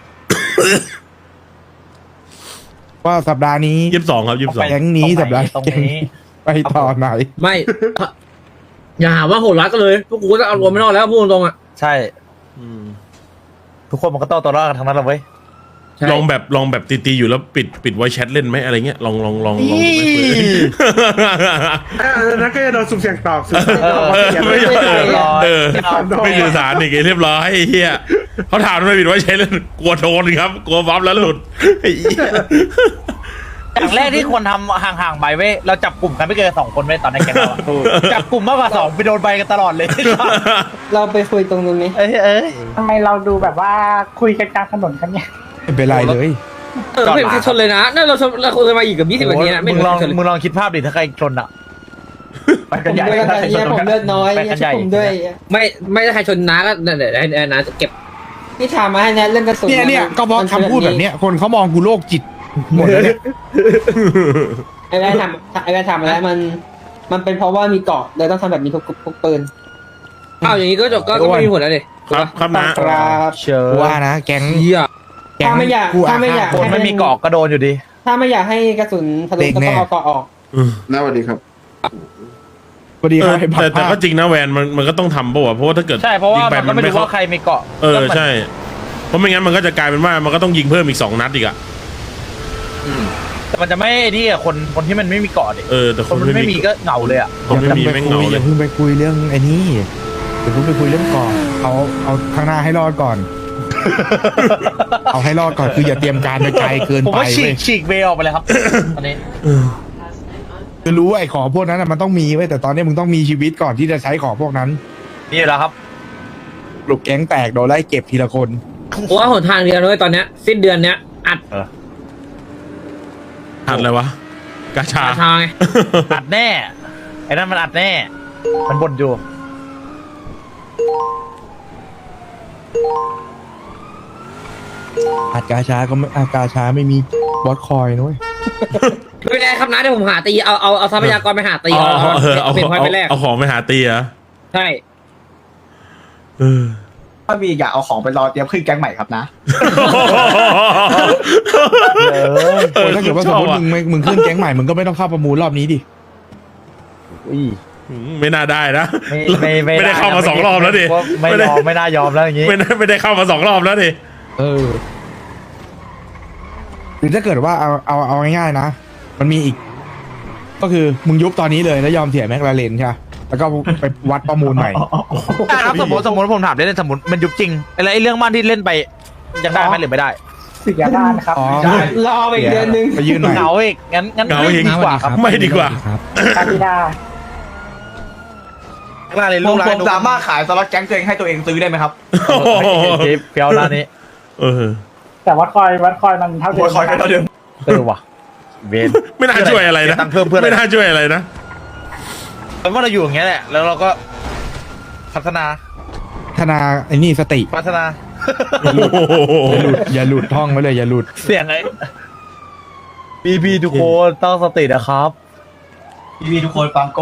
Speaker 3: ว่าสัปดาห์นี้
Speaker 4: 22ครับ22
Speaker 3: แก๊งนี้สัปดาห์
Speaker 1: ตรง
Speaker 3: แก๊ง
Speaker 1: นี้
Speaker 3: นี้ไปต่อไหน
Speaker 2: ไม่อย่าหาว่าโหดร้ายกันเลยพวกกูก็จะเอารวมไม่รอดแล้วพูดตรงๆอ่ะ
Speaker 1: ใช่ ทุกคนมันก็ต้องตัวรอดกันทั้งนั้นเลยเว้ย
Speaker 4: ลองแบบตีๆอยู่แล้วปิดไว้แชทเล่นไหมอะไรเงี้ยลอง
Speaker 5: นั่นก็จะโดนสุ่มเสี่ยงตอบสุ่มเสี่ยงตอบ
Speaker 4: ไม่
Speaker 5: เขียน
Speaker 4: ยอม
Speaker 5: ไว้
Speaker 4: ไม่สื่อสารอีกเรียบร้อยไอ้เหี้ยเขาถามทำไมปิดไว้แชทเล่นกลัวโดนครับกลัวบัฟแล้วหลุดไอ้เหี้ย
Speaker 1: อย่างแรกที่ควรทำห่างๆใบเว้ยเราจับกลุ่มกันไม่เกิน2 คนเว้ยตอนในแก๊งเราอะจับกลุ่มมากกว่า2ไปโดนใบกันตลอดเลย
Speaker 8: เราไปคุยตรงนี้
Speaker 1: เอ้ย
Speaker 7: ทำไมเราดูแบบว่าคุยกันกลางถนนกันเนี่ย
Speaker 3: ไม่เป็นไรเลย
Speaker 2: ไม่มีใครชนเลยนะนั่นเราคุยกันมาอีกกับ20 นาทีนะ
Speaker 1: มึงลอง
Speaker 2: ชนเลย
Speaker 1: มึงลองคิดภาพดิถ้าใครชนอ่ะไป
Speaker 8: ผ
Speaker 1: กัน
Speaker 8: ม
Speaker 1: ใหญ่
Speaker 8: ด้วยกันเนี่ยผมเลือดน้อย
Speaker 1: ไป
Speaker 8: อย่า
Speaker 1: กัน
Speaker 8: ช่
Speaker 1: ใหญ่
Speaker 8: วยผมด้วย
Speaker 2: ไม่ได้ใครชนน้าก็เดี๋ยวให้น้าจะเก็บ
Speaker 8: พี่ถามมาให้แนทเรื่องกระสุน
Speaker 3: เนี่ยก็เพราะคำพูดแบบเนี้ยคนเขามองกูโรคจิตหมดเลยเนี่ย
Speaker 8: ไอ้แม่ถามแล้วมันเป็นเพราะว่ามีเกาะเลยต้องทำแบบนี้ทุกปืน
Speaker 2: อ้าวอย่างนี้ก็จบก็ไม่มีผลแล้วดิ
Speaker 4: ครับนะ
Speaker 8: ครับ
Speaker 1: เชิญ
Speaker 3: กูว่านะแก๊ง
Speaker 2: เหี้ย
Speaker 3: แก๊ง
Speaker 8: ถ้าไม่อยาก
Speaker 1: คนไม่มีเกาะก็โดนอยู่ดี
Speaker 8: ถ้าไม่อยากให้กระสุนทะลุก็ต้องเอาเกาะออก
Speaker 5: น่าสวัสดีครับ
Speaker 3: พอดีเขาให้
Speaker 4: แต่ก็จริงนะแวนมันก็ต้องทำป่าวะเพราะว่าถ้าเกิด
Speaker 1: ใช่เพราะว่า
Speaker 4: ยิงไป
Speaker 1: มันก็ไม่รู้ว่าใครมีเกาะ
Speaker 4: ใช่เพราะไม่งั้นมันก็จะกลายเป็นว่ามันก็ต้องยิงเพิ่มอีก2 นัดอีกอะ
Speaker 1: มันจะไม่นี่อะคนที่มันไม่มีเกาะดิ
Speaker 4: แต่
Speaker 1: คนมันไม่มีก็เหงาเลยอ่ะ
Speaker 4: คนไม่มีแม่งเหงา
Speaker 3: อ
Speaker 4: เล
Speaker 3: ย่าย เพิ่งไปคุยเรื่องไอ้นี่อย่าเพิ่งไปคุยเรื่องก่อนเอาข้างหน้าให้รอดก่อน เอาให้รอดก่อนคืออย่าเตรียมการไปไกลเกิน
Speaker 1: ผม
Speaker 3: ไป
Speaker 1: ว่าฉี
Speaker 3: เว้
Speaker 1: ก
Speaker 3: ย
Speaker 1: ฉีกเวออกไปเลยครับตอนนี้
Speaker 3: คือรู้ว่าไอ้ของพวกนั้นน่ะมันต้องมีไว้ยแต่ตอนนี้มึงต้องมีชีวิตก่อนที่จะใช้ของพวกนั้น
Speaker 1: นี่แหละครับ
Speaker 3: ปลุกแก๊งแตกโดนไล่เก็บทีละคน
Speaker 2: ผมว่าหนทางเดียวเลยตอนเนี้ยสิ้นเดือนเนี้ยอัด
Speaker 4: หัดอะไรวะกาชา
Speaker 2: ราคาไง
Speaker 1: อัดแน่ไอ้นั่นมันอัดแน่ มันบ่นอยู่
Speaker 3: อัดกาชาก็ไม่อัดกาชาไม่มีบอสคอยนะเว้ย
Speaker 2: ไม่เป็นไรครับนะเดี๋ยวผมหาตีเอาทรัพยากรไปหาตีเอาเป็นพอยไปแรก
Speaker 4: เอาของไปหาตีเหรอ
Speaker 2: ใช่
Speaker 6: ถ้ามีอยากเอาของไปรอเตรียมขึ้นแก๊งใหม่ครับนะ
Speaker 3: โอ้ยถ้าเกิดว่าสมมติมึงขึ้นแก๊งใหม่มึงก็ไม่ต้องเข้าประมูลรอบนี้ดิ
Speaker 4: ไม่น่าได้นะ
Speaker 1: ไม่
Speaker 4: ไม่ได้เข้ามา2 รอบแล้วดิ
Speaker 1: ไม่ยอมไม่น่ายอมแล้วอย่างงี้
Speaker 4: ไม่ได้เข้ามา2 รอบแล้วดิ
Speaker 3: หรือถ้าเกิดว่าเอาง่ายๆนะ มันมีอีก ก็คือมึงยุบตอนนี้เลยแล้วยอมเสียแม็กลาเรนใช่ปะแล้วก็ไปวัดประมูลใหม่
Speaker 1: ครับสมมติผมถามเล่นสมมติมันยุบจริงไอ้เรื่องบ้านที่เล่นไปยังได้ไหมหรือไม่ได้
Speaker 7: เสียด้านครับ
Speaker 3: อ๋อ
Speaker 8: รอไปอีกเดือนนึง
Speaker 3: ไปยื่นใหม่
Speaker 1: เหงาอีกงั้น
Speaker 4: เหงา
Speaker 1: ไม่
Speaker 4: อีก
Speaker 1: ดีกว่าครับ
Speaker 4: ไม่ดีกว่า
Speaker 7: คาริดา
Speaker 1: หน้าเลย
Speaker 6: ผ
Speaker 1: ลูก
Speaker 6: ม
Speaker 1: ร้าน
Speaker 6: สามารถขายสล็อตแก๊งตัวเองให้ตัวเองซื้อได้ไหมครับ
Speaker 1: เฟี้ยวร้านนี้
Speaker 7: แต่วัดคอยมันเท่าเดิม
Speaker 6: คอยกันเท่าเดิม
Speaker 1: ว่ะเวน
Speaker 4: ไม่น่าช่วยอะไรนะ
Speaker 1: ตังค์เพิ่มเพื่อน
Speaker 4: ไม่น่าช่วยอะไรนะ
Speaker 1: เพราะว่าเราอยู่อย่างเงี้ยแหละแล้วเราก็พัฒนา
Speaker 3: ธนาไอ้นี่สติ
Speaker 1: พัฒนา
Speaker 3: อย่าหลุดท่องไว้เลยอย่าหลุด
Speaker 1: เสียงไอ้พี่ทุกคนต้องสตินะครับ
Speaker 6: พี่ทุกคนฟังโก้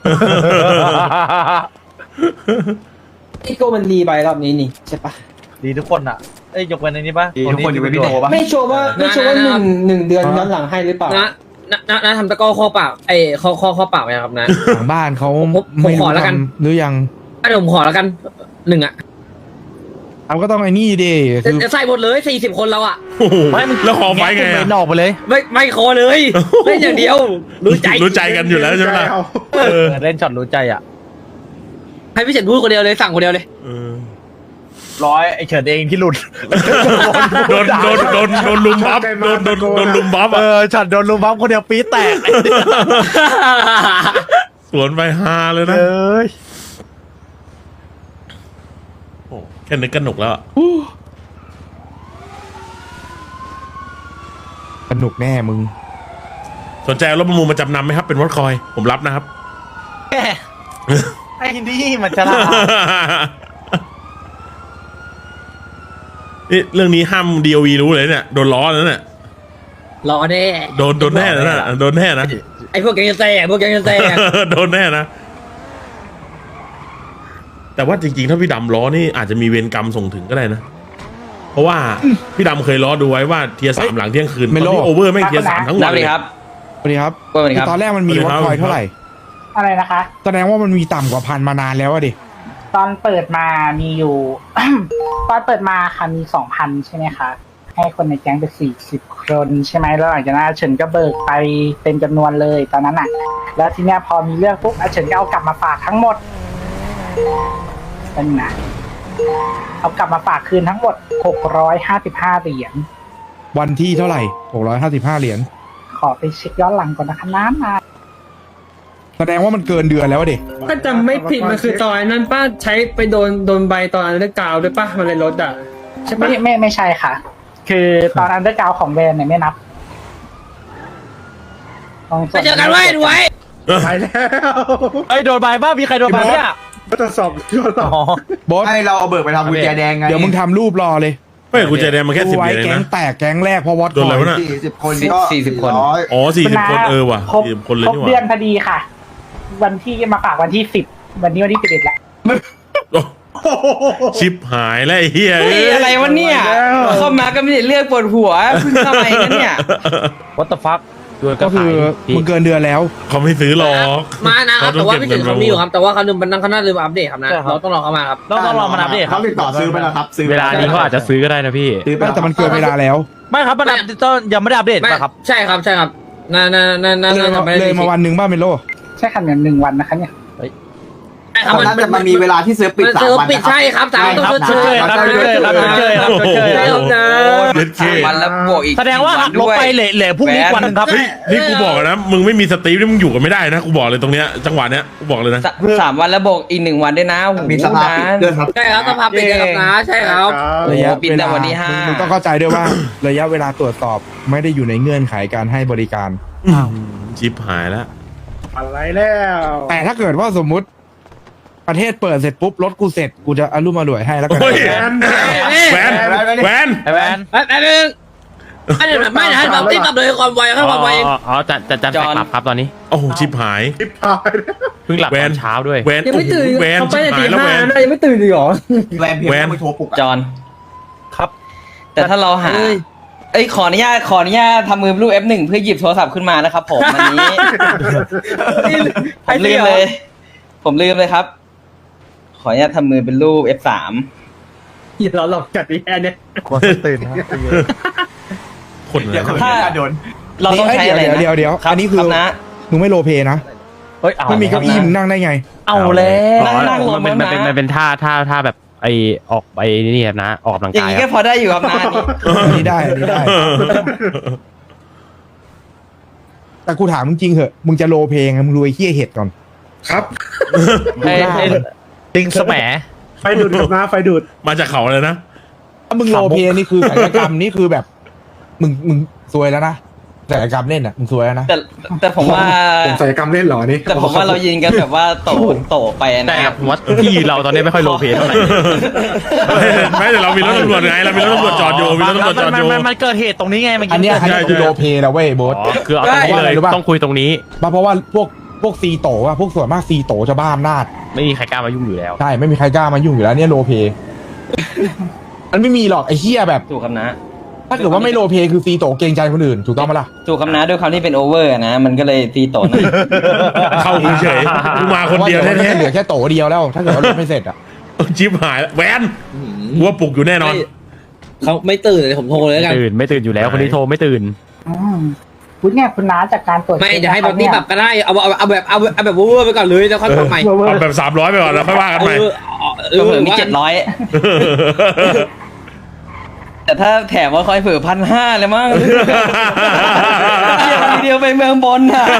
Speaker 8: พี่โก้มันรีไปรอบนี้นี่ใช่ปะ
Speaker 1: ดีทุกคนอ่ะเอ้ยยกเว้นในนี้ปะ
Speaker 6: ทุกคนอยู่เป็นพี่โนปะ
Speaker 8: ไม่ชัวร์ว่าหนึ่งเดือนย้อนหลังให้หรือเปล่า
Speaker 2: นะทำตะก้อข้อเปล่าข้อเปล่าไหมครับนะ
Speaker 3: หลังบ้านเขา
Speaker 2: ผม
Speaker 3: ไม่
Speaker 2: ข
Speaker 3: รู้
Speaker 2: อแล้วกัน
Speaker 3: ทำหรือยัง
Speaker 2: เดี๋ยวผมขอแล้วกัน1อ่ะ
Speaker 3: เอาก็ต้องไอ้นี่ดิคือ
Speaker 2: ใส่หมดเลย40 คนเราอ่ะ
Speaker 1: ไม่มึง
Speaker 4: แล้วขอไฟไง
Speaker 1: เว้
Speaker 4: อะ
Speaker 1: นออกไปเลย
Speaker 2: ไม่ขอเลยเล่นอย่างเดียวรู้ใจ
Speaker 4: กันอยู่แล้วใช่ไหมล่ะ
Speaker 1: เล่นช็อตรู้ใจอ่ะ
Speaker 2: ให้พี่เฉินพูดคนเดียวเลยสั่งคนเดียวเลย
Speaker 1: ร้อยไอเฉินเองที่หลุด
Speaker 4: โดนลุมบัฟโดนลุมบัฟ
Speaker 1: เอ
Speaker 4: อ่ะ
Speaker 1: อช็อตโดนลุมบัฟคนเดียวปี๊ดแตก
Speaker 4: สวนไปฮาเลยนะ
Speaker 1: เอ้ย
Speaker 4: โอ้แค่นึกกันหนุกแล้วอะ
Speaker 3: สนุกแน่มึง
Speaker 4: สนใจเอารถประมูลมาจำนำไหมครับ เป็นวอตคอย ผมรับนะครับ
Speaker 1: แหมไอ้นี่มันฉลาด
Speaker 4: นี่เรื่องนี้ห้าม DOV รู้เลยเนี่ยโดนล้อแล้วเนี่ย
Speaker 2: รอแน่
Speaker 4: โดนแน่นะโดนแน่นะ
Speaker 2: ไอ้พวกแกงจะแตกพวกแกงจะแตก
Speaker 4: โดนแน่นะ แต่ว่าจริงๆ ถ้าพี่ดำล้อนี่อาจจะมีเวรกรรมส่งถึงก็ได้นะ เพราะว่าพี่ดำเคยล้อดูไว้ว่าเทียร์3หลังเที่ยงคืน
Speaker 3: ไม่
Speaker 4: ตอน
Speaker 3: โล
Speaker 4: นี้โอเวอร์ไม่งเทียร์3ทั้งวันเลย
Speaker 3: สวัสดีครับคือตอนแรกมันมี
Speaker 4: สวั
Speaker 3: วั
Speaker 4: ส
Speaker 3: ด
Speaker 4: ดีครับ
Speaker 3: คอยเท่าไหร่
Speaker 7: อะไรนะคะ
Speaker 3: แสดงว่ามันมีต่ำกว่า1,000มานานแล้วอะดิ
Speaker 7: ตอนเปิดมามีอยู่ ตอนเปิดมาค่ะมี 2,000 ใช่ไหมคะ ให้คนในแก๊งไป40 คนใช่ไหมแล้วหลังจากนั้นอาเฉินก็เบิกไปเต็มจำนวนเลยตอนนั้นอ่ะ แล้วทีเนี้ยพอมีเรื่องปุ๊บอาเฉินก็เอากลับมาฝากทั้งหมดเป็นนะเอากลับมาฝากคืนทั้งหมด655 เหรียญ
Speaker 3: วันที่เท่าไหร่655เหรียญ
Speaker 7: ขอไปเช็คย้อนหลังก่อนนะคะน้ำมา
Speaker 3: แสดงว่ามันเกินเดือนแล้วอะดิ
Speaker 8: ถ้าจำไม่ผิดมันคือตอนนั้นป้าใช้ไปโดนใบตอนนั้นด้วยกาวด้วยป้ามันเลยลดอ่ะใช่ปะ
Speaker 7: ไม่ใช่ค่ะ คือตอนอันเดอร์กราวของแบรนด์เนี่ยไม่นับต้อง
Speaker 2: ไปเจอกันไว้ดูไว้
Speaker 5: ไปแล้ว
Speaker 1: ไอ้ยโดนใบบ้ามีใครโดนใบเนี่ย
Speaker 5: ก็จะสอบย้อนหลัง
Speaker 1: อ๋อบ
Speaker 3: อส
Speaker 6: ให้เราเอาเบิกไปทำกุญแจแดงไง
Speaker 3: เดี๋ยวมึงทำรูปรอเลย
Speaker 4: ไม่กูใจแดงมาแค่
Speaker 3: ดู
Speaker 4: 10
Speaker 3: ไว้
Speaker 4: เดือนเอง
Speaker 3: แก๊ง
Speaker 4: นะ
Speaker 3: แตกแก๊งแรกเพราะวัด
Speaker 4: โดนอะไรวะน่ะ
Speaker 6: 40 คนก็
Speaker 8: 40 คน
Speaker 6: 400
Speaker 4: อ๋อ40 คนว่ะ
Speaker 7: ครบ
Speaker 4: 40 คนเลย
Speaker 7: ครบ
Speaker 4: นี่ห
Speaker 7: เดือน
Speaker 4: ว่า
Speaker 7: พอดีค่ะ วันที่มาฝากวันที่10วันนี้วันที่11แล้ว
Speaker 4: โอ้ชิปหายแล้วไอ้เหี้ย
Speaker 8: เฮ้ยอะไรวะเนี่ยเข้ามาก็ไม่ได้เลือกปวดหัวเพิ่งเข้ามาเองนะเนี่ย
Speaker 1: วัตถุฟัก
Speaker 3: ก็คือมึงเกินเดือนแล้ว
Speaker 4: เขาไม่ซื้อหรอก
Speaker 2: มานะครับ
Speaker 4: เขาต้
Speaker 2: แต่
Speaker 4: อง
Speaker 2: ว่า
Speaker 4: เก็บ
Speaker 2: พี่เฉิน
Speaker 4: เงิน
Speaker 2: เขามีอยู่ครับแต่ว่าเขาลืมเขาน่าลืมอัปเดตครับนะ
Speaker 1: ใช่ครับ
Speaker 2: เราต้องรอเขามาครับ
Speaker 1: ต้องรอมันอัปเดตครั
Speaker 6: เขา
Speaker 1: บ
Speaker 6: ติดต่อซื้อไปแล้วครับซื้อไป
Speaker 9: เวลานี้เขาอาจจะซื้อก็ได้นะพี่
Speaker 6: ซื้อไป
Speaker 3: แต่มันเกินเวลาแล้ว
Speaker 1: ไม่ครับมันอัปเดตยังไม่ได้อัปเดต
Speaker 2: ไม่
Speaker 1: ป่ะครับ
Speaker 2: ใช่ครับใช่ครับน่าจะไม่ได้
Speaker 3: เลยมาวันหนึ่งบ้างเมโล
Speaker 7: ใช่ค่ะเนี่ย1 วันนะคะเนี่ย
Speaker 2: ใช่ครับ
Speaker 6: น่าจะมันมีเวลาที่เซิร์ฟปิด
Speaker 2: มัน
Speaker 6: 3
Speaker 2: เซิร์ฟ
Speaker 6: วัน
Speaker 2: ปิด
Speaker 6: นะครับ
Speaker 2: ใช่ครับ3
Speaker 1: ค
Speaker 2: ต้
Speaker 1: รั
Speaker 2: อบ งชดเชย
Speaker 1: ครับชดเชยครับชดเชยครับชดเชย
Speaker 2: ใช่ครับนะ
Speaker 4: เย็ดเค
Speaker 9: วันแล้วบวกอีก
Speaker 1: แสดงว่าหักลบไปเหลือพรุ่งนี้วันหนึงครับ
Speaker 4: เฮ้ยนี่กูบอกนะมึงไม่มีสตรีมนี่มึงอยู่กันไม่ได้นะกูบอกเลยตรงเนี้ยจังหวะเนี้ยกูบอกเลยนะ
Speaker 9: 3 วันแล้วบวกอีก1 วันด้วยนะโอ้โห
Speaker 6: มีสภาพปิดด้วยครับ
Speaker 2: ใช่ครับสภาพปิดครับนะใช่ครับ
Speaker 3: ระยะ
Speaker 9: ปิด
Speaker 3: เว
Speaker 9: แต่
Speaker 3: ลา
Speaker 9: วันที่
Speaker 3: มึงต้องเข้าใจด้วยว่า ระยะเวลาตรวจสอบไม่ได้อยู่ในเงื่อนไขการให้บริการ
Speaker 4: ชิปหายแล้ว
Speaker 5: อะไรแล้ว
Speaker 3: แต่ถ้าเกิดว่าสมมุติประเทศเปิดเสร็จปุ๊บรถกูเสร็จกูจะอารมณ์อร่วยให้แล้วกัน
Speaker 4: โอ้ยแวนแวน
Speaker 1: ไอ้แวน
Speaker 2: แป๊บนึงไม่นะให้แบบตีกลับเลยความไวให้ความไว
Speaker 10: อ๋อจะแฟกลับครับตอนนี้
Speaker 4: โอ้โหชิปหาย
Speaker 5: ทิปพาย
Speaker 10: เพิ่งหลับตอนเช้าด้วย
Speaker 4: แวน
Speaker 8: ยังไม่ตื่น
Speaker 4: แวน
Speaker 8: เขาไป
Speaker 4: ชิบ
Speaker 8: ใน
Speaker 4: หา
Speaker 8: ตี
Speaker 4: ยแล้ว
Speaker 8: ห้า
Speaker 4: แวน
Speaker 8: นะยังไม่ตื่นเลยเหรอ
Speaker 6: แวนเพียง
Speaker 4: แวน
Speaker 6: ไม่โทรปลุกอะ
Speaker 9: จอน
Speaker 1: ครับ
Speaker 9: แต่ถ้าเราหา เอ้ยขออนุญาตทำมือรูป F1 เพื่อหยิบโทรศัพท์ขึ้นมานะครับผมวันนี้ ผมลืมเลย ครับ ขออนุญาตทำมือเป็นรูป F3
Speaker 8: อย่าเราหลอกจัดแค่เนี้ย
Speaker 1: ควรตื่นนะ
Speaker 4: คนเล
Speaker 6: เดี๋ย
Speaker 4: ยว
Speaker 6: คน
Speaker 9: ถ้า
Speaker 6: จะโดน
Speaker 9: เราต้องใช้อะไรนะ
Speaker 3: เดี๋ยว
Speaker 9: รับ
Speaker 3: อันนี้คือ
Speaker 9: รับนะ
Speaker 3: มึงไม่โรลเพลย์นะ
Speaker 1: เฮ้ยเอา
Speaker 3: ไม่มีเก้าอี้มึงนั่งได้ไง
Speaker 1: เอาแล้ว
Speaker 9: นั่งลง
Speaker 10: มัน
Speaker 9: แล้วนะ
Speaker 10: เป็นท่าแบบไอออกไปนี่ครับนะออกกำลัง
Speaker 9: อย่าง
Speaker 10: กาย
Speaker 9: นี้
Speaker 10: ค
Speaker 9: ก็
Speaker 10: รับ
Speaker 9: พอได้อยู่ครับนะอันนี้
Speaker 3: อันนี้ได้ แต่กูถามมึงจริงเหอะ มึงจะโรลเพลย์ไงมึงรวยเฮี้ยเห็ดก่อน
Speaker 5: ครับ
Speaker 1: ไอ้ติงสแหม
Speaker 5: ไฟดูดกับน้าไฟดูด
Speaker 4: มาจากเขาเลยนะ
Speaker 3: ถ้ามึงโรลเพลย์นี่คือศัลยกรรมนี่คือแบบ มึงซวยแล้วนะศัลยกรรมเล่นอ่ะมึงซวยแล้วนะ
Speaker 9: แต่ผมว่า
Speaker 5: ผมศัลยกรรมเล่นเหรอนี่
Speaker 9: แต่ผมว่าเรายินกันแบบว่าโตไป
Speaker 10: แต่
Speaker 9: นะครับ
Speaker 10: ผมว่าพี่เราตอนนี้ไม่ค่อยโลเพเท่าไหร่
Speaker 4: ไม่แต่เรามีรถตำรวจไงเรามีรถตำรวจจอดอยู่มีรถตำรวจจอดอยู่
Speaker 1: มันเกิดเหตุตรงนี้ไงมัน
Speaker 3: อันเนี้ยคือโรลเพลย์นะเว้ยโบ๊ท
Speaker 10: อ๋อคือเอาตรงนี้เลย
Speaker 3: รู้ปะ
Speaker 10: ต้องคุยตรงนี้
Speaker 3: เพราะว่าพวกซีโตอะพวกส่วนมากซีโตจะบ้าอำนาจ
Speaker 10: ไม่มีใครกล้ามายุ่งอยู่แล้ว
Speaker 3: ใช่ไม่มีใครกล้ามายุ่งอยู่แล้วเนี่ยโรลเพลย์มันไม่มีหรอกไอ้เหี้ยแบบ
Speaker 9: ถูกคำนะ
Speaker 3: ถ้าเกิดว่าไม่โรลเพลย์คือซีโตเกรงใจคนอื่นถูกต้องไหมล่ะ
Speaker 9: ถูกคำนะด้วยคำที่เป็นโอเวอร์นะ มันก็เลยตีโตหน่อย
Speaker 4: เข้ากูเฉยกูมาคนเดียว
Speaker 3: พราะา
Speaker 4: แท้
Speaker 3: เหลือแค่โตเดียวแล้ว ถ้าเกิดว่ารถไม่เสร็จอะ
Speaker 4: ๆชิปหายแล้วแวนกูว่าปลุกอยู่แน่นอน
Speaker 2: เขาไม่ตื่นเลยผมโทรเลยแล้วกัน
Speaker 10: ไม่ตื่นอยู่แล้วคนที่โทรไม่ตื่น
Speaker 7: คุณเนี่ยคุณน้าจากการตรวจ
Speaker 2: ไม่จะให้แบบนี้ปรับก็ได้เอาแบบเวอร์ไปก่อนเลยแล้วค่อยปรับใหม่
Speaker 4: เอาแบบ300ไปก่อนแล้วค่อยว่ากันใหม่
Speaker 9: ก็เผื่อมี700 แต่ถ้าแถมว่าคอยเผื่อ1,500เลยมั้งทีเดียวไปเมืองบนน่ะ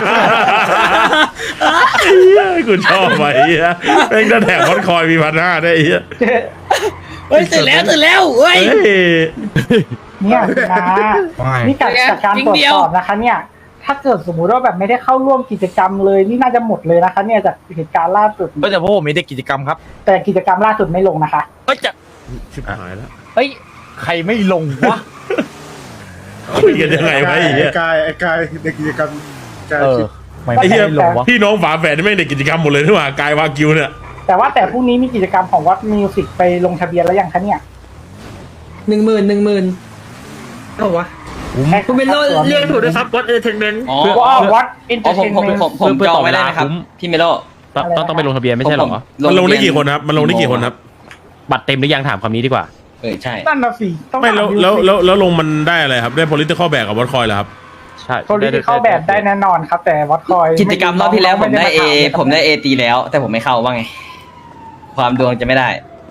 Speaker 4: กูชอบไปอ่ะแม่งจะแถมคอนคอยมี1,500ได้อีก
Speaker 2: เฮ้ยตื่นแล้วเฮ้ย
Speaker 4: เฮ้ย
Speaker 7: เนี่ยคุณน้า
Speaker 3: ไม่
Speaker 7: นี่จากการตรวจสอบนะคะ เนี่ย ถ้าเกิดสมมุติว่าแบบไม่ได้เข้าร่วมกิจกรรมเลยนี่น่าจะหมดเลยนะคะ เนี่ยจากเหตุการณ์ล่าสุด
Speaker 1: ก็จะพวกผมมีได้กิจกรรมครับ
Speaker 7: แต่กิจกรรมล่าสุดไม่ลงนะคะ
Speaker 1: เฮ้ยจะ
Speaker 4: ชิบหายแล้ว
Speaker 1: เฮ้ยใครไม่ลงวะ
Speaker 4: คุยกันยังไงวะไอ้เหี้ย
Speaker 5: ไอ้กายในกิจกรรมกาย
Speaker 1: เออ
Speaker 5: ชิป
Speaker 1: ไม่
Speaker 4: ไอ้เหี้ย
Speaker 1: ลงวะ
Speaker 4: พี่น้องฝาแฝดนี่แม่งในกิจกรรมหมดเลยนี่หว่ากายวากิวเนี่ย
Speaker 7: แต่พรุ่งนี้มีกิจกรรมของวัดมิวสิกไปลงทะเบียนแล้วยังคะเนี่ย
Speaker 8: 10,000เอาวะคุณเป็นเรียกถูกด้วยครับวัดเอเทนเมนต์
Speaker 9: อ๋อ
Speaker 7: วัดอินเตอ
Speaker 9: อ๋อ
Speaker 7: ร์เทนเมนต์
Speaker 9: ผมจองไว้ได้นะครับพี่เมโล
Speaker 10: ต้องไปลงทะเบียนไม่ใช่หรอ
Speaker 4: มันลงได้กี่คนครับมันลงได้กี่คนครับ
Speaker 10: บัตรเต็มหรือยังถามคำนี้ดีกว่า
Speaker 9: ใช่
Speaker 7: นั่นน่ะสิต้อง
Speaker 4: ไม่
Speaker 7: ถาม
Speaker 4: แล้วลงมันได้อะไรครับได้ political back กับวอตคอยเหรอครับ
Speaker 10: ใช่
Speaker 7: โพลิติเข้าแบบได้แน่นอนครับ แต่วัดคอย
Speaker 9: กิจกรรมรอบที่แล้วผมได้ A ผม
Speaker 7: ได้
Speaker 9: ได้ A ตีแล้ว แต่ผมไม่เข้าว่าไง ความดวงจะไม่ได้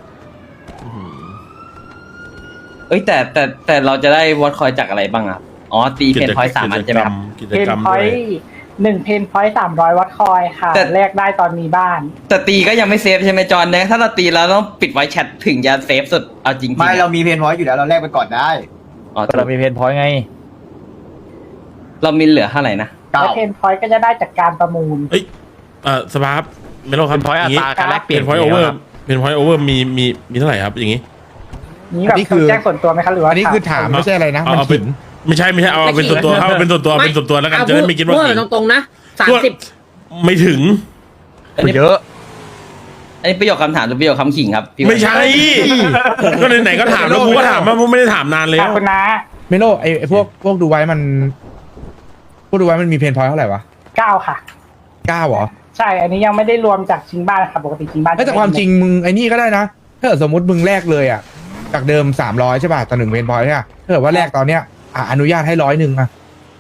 Speaker 9: เอ้ยแต่เราจะได้วอตคอยจากอะไรบ้างอ่ะอ๋อตีเพนพอยต์3 อันใช่ไหมครับ
Speaker 4: กิจ
Speaker 7: เพน
Speaker 4: กรรม
Speaker 7: พอ
Speaker 4: ด้วย
Speaker 7: ต์1เพนพอยต์300 วัดคอยค่ะ
Speaker 9: แต่
Speaker 7: แลกได้ตอนมีบ้าน
Speaker 9: แต่ตีก็ยังไม่เซฟใช่ไหมจอนเนี่ยถ้าเราตีแล้วต้องปิดไว้แชทถึงจะเซฟสุดเอาจริงๆ
Speaker 6: ไม่เรามีเพนพอยต์อยู่แล้วเราแลกไปก่อนได้
Speaker 9: อ๋อ
Speaker 1: แต่เรามีเพนพอยต์ไง
Speaker 9: เรามีเหลือเท่าไหร่นะ
Speaker 6: เก้า
Speaker 7: และเพนพอยต์ก็จะได้จากการประมูล
Speaker 4: เอ้ยสภาพไม่รู้ครับ
Speaker 10: เป็นพอยต์อัตราการแลกเปลี่ยน
Speaker 4: เป็นพอยต์โอเวอร์เป็นพอยต์โอเวอร์มีเท่าไหร่ครับอย่างงี้
Speaker 7: นี่แบบ
Speaker 3: อันนี้คือ
Speaker 7: แจ้งส่วนตัวไหมคะหรือว่า
Speaker 3: อันนี้คือถามไม่ใช่อะไรนะ มัน
Speaker 4: เอาเป็น
Speaker 3: ขิง
Speaker 4: ไม่ใช่เอาเป็นส่วนตัวครับเอาเป็นส่วนตัวเป็นส่วนตัวแล้วกันจะได้ไม่คิดว่า
Speaker 2: พูด
Speaker 4: ผิด
Speaker 2: ตรงๆนะ30
Speaker 4: ไม่ถึง
Speaker 1: เยอะ
Speaker 9: อันนี้ประโยคคำถามหรือประโยคคำขิงครับพี่
Speaker 4: ไม่ใช่ ก็ไหนๆก็ถามแล้วกูก็ถามว่าไม่ได้ถามนานแล้ว
Speaker 7: คุณน้า
Speaker 3: เมโลไอ้พวกดูไว้มันพวกดูไว้มันมีเพนพอยต์เท่าไหร่วะ
Speaker 7: 9 ค่ะ
Speaker 3: 9เหรอ
Speaker 7: ใช่ อันนี้ยังไม่ได้รวมจากชิงบ้านค่ะปกติชิงบ้าน
Speaker 3: แต่ความจริงมึงไอ้นี่ก็ได้นะ ถ้าเกิดสมมติมึงแลกเลยอ่ะ จากเดิม300ใช่ป่ะต่อ1เพนพอยต์ใช่ป่ะถ้าเกิดว่าแลกตอนเนี้ยอนุญาตให้100อ่ะเพ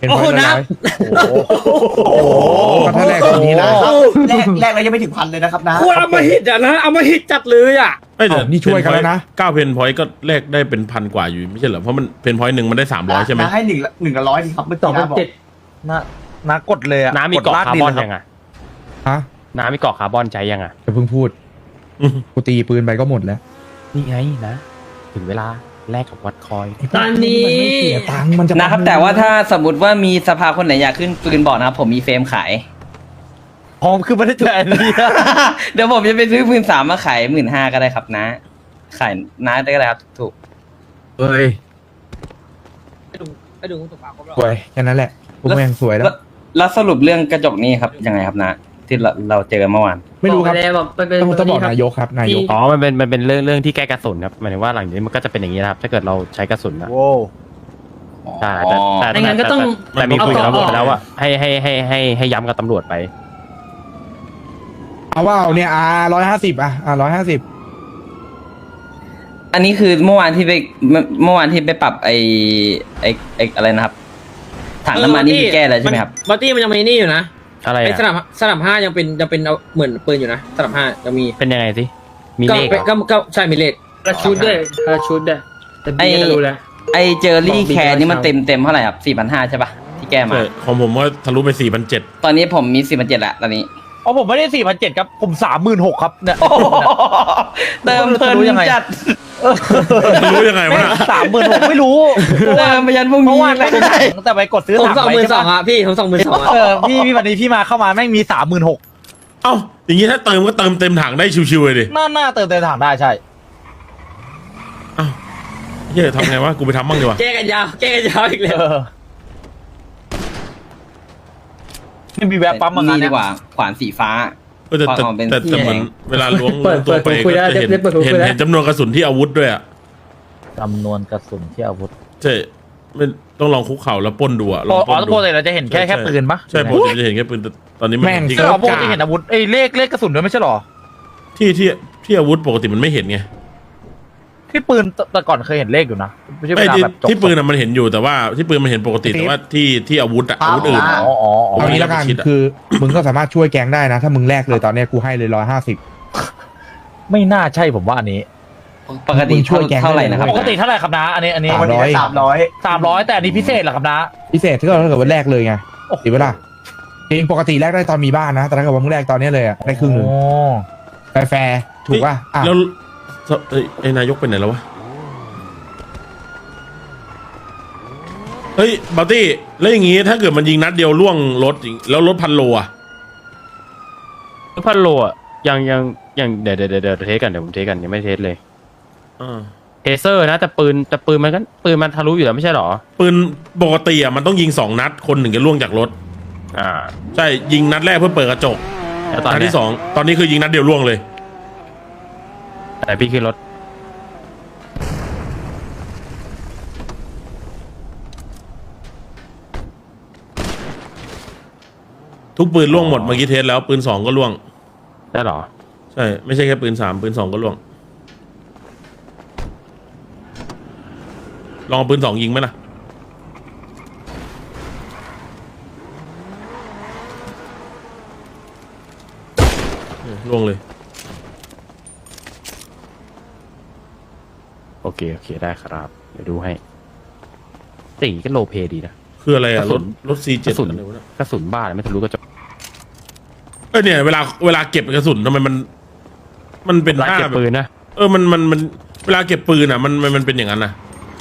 Speaker 3: เป็นพอยต์ละร้อย
Speaker 1: โอ้โห
Speaker 3: ก็ถ้าแรกตรงนี้นะ
Speaker 6: แรกแล้วยังไม่ถึงพันเลยนะครับนะ
Speaker 2: ควรเอามาหิตอ่ะนะเอามาหิตจัดเลยอ่ะ
Speaker 4: ไม่แต่
Speaker 3: นี่ช่วยกันแล้วนะ
Speaker 4: 9เพนพอยต์ก็แลกได้เป็นพันกว่าอยู่ไม่ใช่เหรอเพราะมันเพนพอยต์หนึ่งมันได้300ใช่ไหม
Speaker 6: นะให้หนึ่งละร้อยดีครับเมื่อกี้นะบอก
Speaker 1: น้ากดเลยอะ
Speaker 10: น้ามีเกาะคาร์บอน
Speaker 1: กดล
Speaker 10: ยัง
Speaker 1: ก
Speaker 10: อ่ะ
Speaker 3: ฮะ
Speaker 10: น้ามีเกาะคาร์บอนใช้ยังอ่ะ
Speaker 3: จะเพิ่งพูดกูตีปืนไปก็หมดแล้ว
Speaker 10: นี่ไงนะ ถึงเวลาแลกกับวัดคอย
Speaker 2: ตอนนี้
Speaker 3: มันไม่เสียตังค์มันจะ
Speaker 9: นะครับ แต่ว่าถ้าสมมติว่ามีสภาคนไหนอยากขึ้นปืนบอกนะครับผมมีเฟรมขาย
Speaker 1: หอมคือไม่ได้เจออันนี้นะ
Speaker 9: เดี๋ยวผมจะไปซื้อปืน3มาขาย15,000ก็ได้ครับนะ ขายน้าได้ก็ได้ครับถูก
Speaker 3: เอ้ย
Speaker 2: ไปดูสุภาพเขา
Speaker 3: สวยแค่นั้นแหละพวกแม่งสวยแล้ว
Speaker 9: แล้วสรุปเรื่องกระจกนี่ครับยังไงครับนะ ที่เราเจอกันเมื่อวาน
Speaker 3: ไม่รู้ครับ
Speaker 2: บอกไปเป็น
Speaker 3: ต้องบอกนายกครับนายก
Speaker 10: อ๋อมันเป็นเรื่องที่แก้กระสุนครับหมายถึงว่าหลังจากนี้มันก็จะเป็นอย่างนี้นะครับ ถ้าเกิดเราใช้กระสุนนะ
Speaker 1: โว้
Speaker 10: ใช่แต่
Speaker 2: ไม่งั้นก็ต้อง
Speaker 10: แต่มีคุยกับตำรวจ
Speaker 2: เอา
Speaker 10: ไปแล้วว่าให้ย้ำกับตำรวจไป
Speaker 3: เอาว่าเนี่ย150150
Speaker 9: อันนี้คือเมื่อวานที่ไปปรับไออะไรนะครับถังน้ำมันนี่มีแก้แล้วใช่ไหมครับ
Speaker 2: บัตตี้มันยังมีนี่อยู่นะ
Speaker 10: อะไร
Speaker 2: ไอ้
Speaker 10: อะ
Speaker 2: สนับ5ยังเป็นเอาเหมือนปืนอยู่นะสนับ5ยังมี
Speaker 10: เป็นยังไงสิมีเลขเหรอ
Speaker 2: ก็ใช่มีเลขกระชุดด้วยแต่บีก็รู้แล้ว
Speaker 9: ไอเจอรี่แคร์นี่มันเต็มเท่าไหร่ครับ4,500ใช่ปะที่แก้มา
Speaker 4: ใช่ของผมก็ทะลุไป4,700
Speaker 9: ตอนนี้ผมมี4,700ละตอนนี้
Speaker 1: อ๋อผมไม่ได้4,700ครับผม36,000ครับเนี่ย
Speaker 9: เติมเพลิน
Speaker 1: รู้ยังไง
Speaker 9: จัด
Speaker 4: รู้ยังไงวะน่ะ
Speaker 1: 36,000ไม่รู้
Speaker 9: เติมไปยันพรุ่ง
Speaker 1: เมื่
Speaker 9: นี้
Speaker 1: อวานไม่ได้แต่ไปกดซื้อ
Speaker 2: ผม
Speaker 1: 3
Speaker 2: 22,000อ่ะพี่ผม22,000อ่ะ
Speaker 1: พี่วันนี้พี่มาเข้ามาแม่งมี36,000
Speaker 4: เอ้าอย่างงี้ถ้าเติมก็เติมเต็มถังได้ชิวๆเลยดิ
Speaker 1: หน้าเติมเต็มถังได้ใช่
Speaker 4: เอ้าเฮ้ยทำไงวะกูไปทำบ้างดีกว่า
Speaker 2: แก้กันยาวอีกแล้ว
Speaker 1: นี่มีแวะปั๊มมา
Speaker 9: นี่
Speaker 1: เนี่
Speaker 9: ดี
Speaker 1: ย
Speaker 9: กว่าขวานสีฟ้า
Speaker 4: แต่
Speaker 9: ความเป็น
Speaker 4: แต่เหมือน
Speaker 9: แดง
Speaker 4: เวลาล้วงตัวไปก็จะเห็นจำนวนกระสุนที่อาวุธด้วยอ่ะ
Speaker 1: จำนวนกระสุนที่อาวุธ
Speaker 4: ใช่ไม่ต้องลองคุกเข่าแล้วปล้นดูอ่ะล
Speaker 1: อ๋
Speaker 4: องปล้
Speaker 1: อน
Speaker 4: ดู
Speaker 1: ปกติเราจะเห็นแค่ปืนปะ
Speaker 4: ใช่ปกติจะเห็นแค่ปืนแต่ตอนนี้มัน
Speaker 3: แม่ง
Speaker 4: จริง
Speaker 1: ใช่หรอปกติเห็นอาวุธเอ้ยเลขกระสุนด้วยไม่ใช่หรอ
Speaker 4: ที่อาวุธปกติมันไม่เห็นไง
Speaker 1: ที่ปืนแต่ก่อนเคยเห็นเลขอยู่นะไม่ใช่เว
Speaker 4: ไม่
Speaker 1: ลา
Speaker 4: ที่
Speaker 1: แบบจบ
Speaker 4: ที่ปืนอะมันเห็นอยู่แต่ว่าที่ปืนมันเห็นปกติแต่ว่าที่อาวุธอะอาวุธอื่น
Speaker 1: อ๋อ
Speaker 3: เอางี้แล้วกันคือมึงก็สามารถช่วยแก๊งได้นะ ถ้ามึงแลกเลยตอนเนี้ยกูให้เลย150
Speaker 1: ไม่น่าใช่ผมว่าอันนี้
Speaker 9: ปกติ
Speaker 3: มึงช่วยแกง
Speaker 9: เท่าไหร่นะครับ
Speaker 1: ปกติเท่าไหร่ครับนะอันนี้
Speaker 6: วันนี้ได้300
Speaker 1: 300แต่อันนี้พิเศษเหรอครับนะ
Speaker 3: พิเศษถ้าเกิดว่าแลกเลยไงดีเวลาจริงปกติแลกได้ตอนมีบ้านนะแต่ถ้าเกิดว่ามึงแลกตอนนี้เลยอะได้ครึ่งหนึ่งแฟร์ถูกป่ะอ่ะ
Speaker 4: แล้วไอ้นายกไปไหนแล้ววะเฮ้ยบัตตี้แล้วอย่างงี้ถ้าเกิดมันยิงนัดเดียวล่วงรถแล้วรถ1,000 โลอะ
Speaker 10: พันโลอ่ะยังเดี๋ยวเทสกันเดี๋ยวผมเทสกันยังไม่เทสเลย เทเซอร์นะแต่ปืนมันทะลุอยู่แล้วไม่ใช่หรอ
Speaker 4: ปืนปกติอะมันต้องยิง2 นัดคนหนึ่งจะล่วงจากรถใช่ยิงนัดแรกเพื่อเปิดกระจก
Speaker 10: แล้วตอน
Speaker 4: นัด
Speaker 10: เนี้ย
Speaker 4: ที่2ตอนนี้คือยิงนัดเดียวล่วงเลย
Speaker 10: แต่พี่ขึ้นรถ
Speaker 4: ทุกปืนล่วงหมดเมื่อกี้เทสแล้วปืน2ก็ล่วง
Speaker 10: ได้หรอ
Speaker 4: ใช่ไม่ใช่แค่ปืน3ปืน2ก็ล่วงลองเอาปืน2ยิงไหมล่ะล่วงเลย
Speaker 10: โอเคได้ครับเดี๋ยวดูให้สิ่งก็โลเพดีนะ
Speaker 4: คืออะไรอะ
Speaker 10: กระสุน
Speaker 4: รถ C7
Speaker 10: กระสุน
Speaker 4: อะไรวะเนี่ย
Speaker 10: กระสุนบ้าเลยไม่ทะลุกระจก
Speaker 4: เนี่ยเวลาเก็บกระสุนทำไมมันเป็น
Speaker 10: ร้าน
Speaker 4: หน้า
Speaker 10: เก็บ
Speaker 4: แบบ
Speaker 10: ปืนนะ
Speaker 4: มันเวลาเก็บปืนอะมันเป็นอย่างนั้นนะ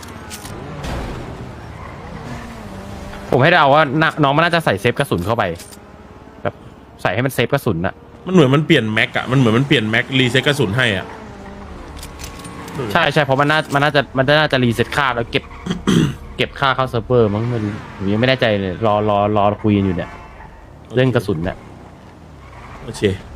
Speaker 10: ผมให้เดาว่าน้องมันน่าจะใส่เซฟกระสุนเข้าไปแบบใส่ให้มันเซฟกระสุนอะ
Speaker 4: มันเหมือนมันเปลี่ยนแม็กอะมันเหมือนมันเปลี่ยนแม็กรีเซ็ตกระสุนให้อะ
Speaker 10: ใช่เพราะมันน่าจะรีเซ็ตค่าแล้วเก็บ เก็บค่าเข้าเซิร์ฟเวอร์มั้งไม่รู้ผมยังไม่แน่ใจเลยรอคุยกันอยู่เนี่ยเรื่องกระสุนเนี่ย
Speaker 4: โอเค